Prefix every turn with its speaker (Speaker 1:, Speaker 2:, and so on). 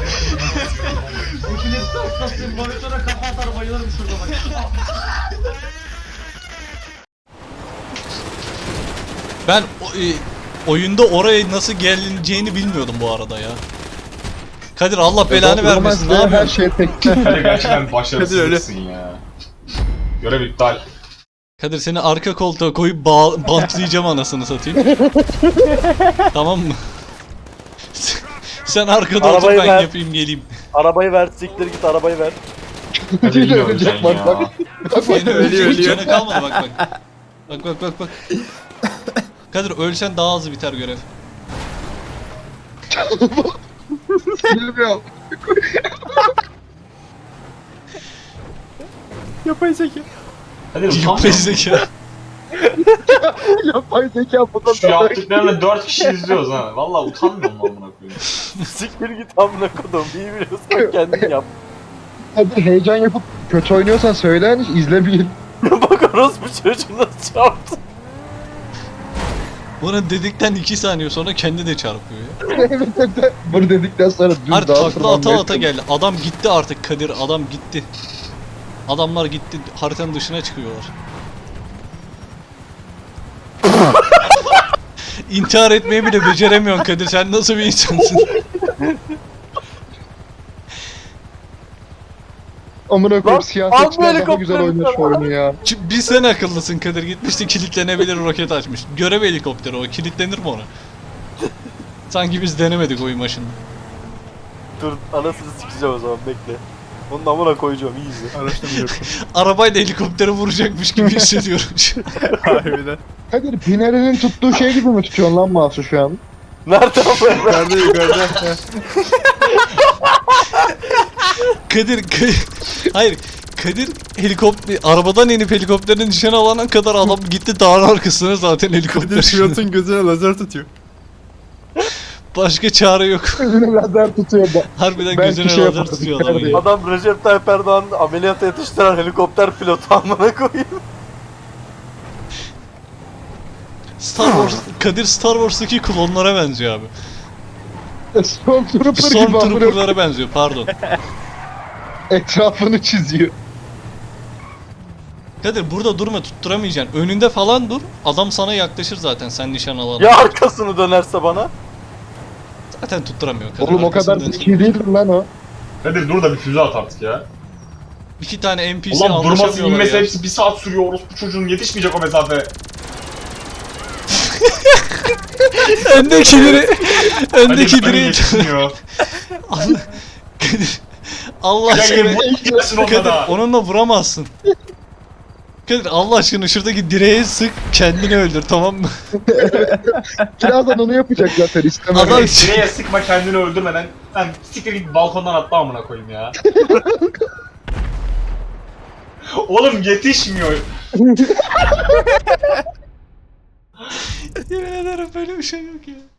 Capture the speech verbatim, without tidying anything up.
Speaker 1: Epilepsi hastasıyım. Monitöre kafa atar bayılırım şurada bak.
Speaker 2: Ben o- e, oyunda oraya nasıl gelineceğini bilmiyordum bu arada ya. Kadir Allah belanı vermesin. Ne
Speaker 3: Her
Speaker 2: yapıyorsun?
Speaker 3: şey tek.
Speaker 4: Hadi gerçekten başarısızsın ya. Görev iptal.
Speaker 2: Kadir seni arka koltuğa koyup bağ- bantlayacağım anasını satayım. Tamam mı? Sen arkada otur
Speaker 5: Arabayı
Speaker 2: ben
Speaker 5: ver.
Speaker 2: yapayım geleyim.
Speaker 5: Arabayı ver, siktir git arabayı ver.
Speaker 4: Hadi
Speaker 3: Yine
Speaker 4: bilmiyorum
Speaker 3: ölecek
Speaker 4: sen
Speaker 3: bak
Speaker 4: ya.
Speaker 3: bak. Bak bak
Speaker 2: Yine
Speaker 3: ölüyor
Speaker 2: ölecek
Speaker 3: ölüyor.
Speaker 2: canı kalmadı bak bak. Bak bak bak bak. Kadir ölsen daha hızlı biter görev.
Speaker 3: Bilmiyorum.
Speaker 5: Yapay zeka.
Speaker 4: Hadi
Speaker 2: Yapay
Speaker 4: utanma.
Speaker 2: zeka.
Speaker 3: Yapay zeka bundan
Speaker 4: Şu
Speaker 3: daha
Speaker 4: yaptıklarını dört kişi izliyoruz ha. Valla utanmıyor mu amına koyayım?
Speaker 5: Siktir git amına kodum. İyi biliyorsan kendin yap.
Speaker 3: Hadi heyecan yapıp kötü oynuyorsan söyle hani izlemeyin.
Speaker 5: Bak orospu çocuğu nasıl çarptı.
Speaker 2: Bunu dedikten iki saniye sonra kendi de çarpıyor ya.
Speaker 3: Evet evet. Bunu dedikten sonra düz
Speaker 2: Artık
Speaker 3: daha
Speaker 2: takla ata ata
Speaker 3: tırmanmaya
Speaker 2: geldi. Adam gitti artık Kadir. Adam gitti. Adamlar gitti. Haritanın dışına çıkıyorlar. İntihar etmeyi bile beceremiyorsun Kadir. Sen nasıl bir insansın?
Speaker 3: Amına
Speaker 5: Lan,
Speaker 3: koyayım
Speaker 5: al
Speaker 3: siyasetçiler
Speaker 5: bu
Speaker 3: daha güzel
Speaker 5: helikopteri
Speaker 3: oynuyor şu
Speaker 5: sana.
Speaker 3: oyunu ya.
Speaker 2: Ç- Bir sen akıllısın Kadir. Gitmişti kilitlenebilir roket açmış. Görev helikopteri o. Kilitlenir mi ona? Sanki biz denemedik oyun başında.
Speaker 5: Dur anasını sikeceğim o zaman bekle. Onun amına koyacağım iyi izle.
Speaker 6: Araştırmıyorum.
Speaker 2: Arabayla helikopteri vuracakmış gibi hissediyorum şu an.
Speaker 6: Harbiden.
Speaker 3: Kadir Pinari'nin tuttuğu şey gibi mi tutuyorsun lan Mahsu şu an?
Speaker 5: Nerede amına?
Speaker 6: Yukarıda yukarıda. Heh.
Speaker 2: Kadir, Kadir, hayır Kadir helikopter, arabadan inip helikopterin nişan alana kadar adam gitti dağın arkasına zaten
Speaker 6: Kadir
Speaker 2: helikopter.
Speaker 6: pilotun gözüne lazer tutuyor.
Speaker 2: Başka çare yok.
Speaker 3: Gözüne lazer tutuyor da.
Speaker 2: Harbiden
Speaker 3: Belki
Speaker 2: gözüne
Speaker 3: şey
Speaker 2: lazer
Speaker 3: yaparız,
Speaker 2: tutuyor adamın
Speaker 3: Kadir.
Speaker 2: ya.
Speaker 5: Adam Recep Tayyip Erdoğan ameliyata yetiştiren helikopter pilotu amına koyayım.
Speaker 2: Star Wars, Kadir Star Wars'taki klonlara benziyor abi.
Speaker 3: Stormtrooper gibi amına
Speaker 2: Stormtrooper'lara benziyor pardon.
Speaker 3: etrafını çiziyor.
Speaker 2: Kadir burada durma tutturamayacaksın. Önünde falan dur. Adam sana yaklaşır zaten sen nişan alana.
Speaker 5: Ya arkasını dönerse bana?
Speaker 2: Zaten tutturamıyor Kadir.
Speaker 3: Oğlum o kadar
Speaker 2: arkasından.
Speaker 3: zeki değil lan o.
Speaker 4: Hadi dur da bir füze at artık ya.
Speaker 2: İki tane N P C
Speaker 4: Ulan durması
Speaker 2: anlaşamıyorlar
Speaker 4: inmesi
Speaker 2: ya.
Speaker 4: hepsi bir saat sürüyor orospu çocuğun yetişmeyecek o mesafe.
Speaker 2: Öndekileri,
Speaker 4: Hadi
Speaker 2: öndekileri
Speaker 4: yetişmiyor.
Speaker 2: Allah, Kadir, Allah
Speaker 4: Ya
Speaker 2: aşkına,
Speaker 4: yine gitmesin onunla
Speaker 2: Kadir
Speaker 4: da.
Speaker 2: onunla vuramazsın. Kadir Allah aşkına şuradaki direğe sık kendini öldür tamam mı?
Speaker 3: Birazdan onu yapacak zaten istemem.
Speaker 2: Adam
Speaker 4: Direğe sıkma kendini öldürmeden sen siktir git balkondan atla amına koyayım ya. Oğlum yetişmiyor.
Speaker 2: yemin ederim böyle bir şey yok ya.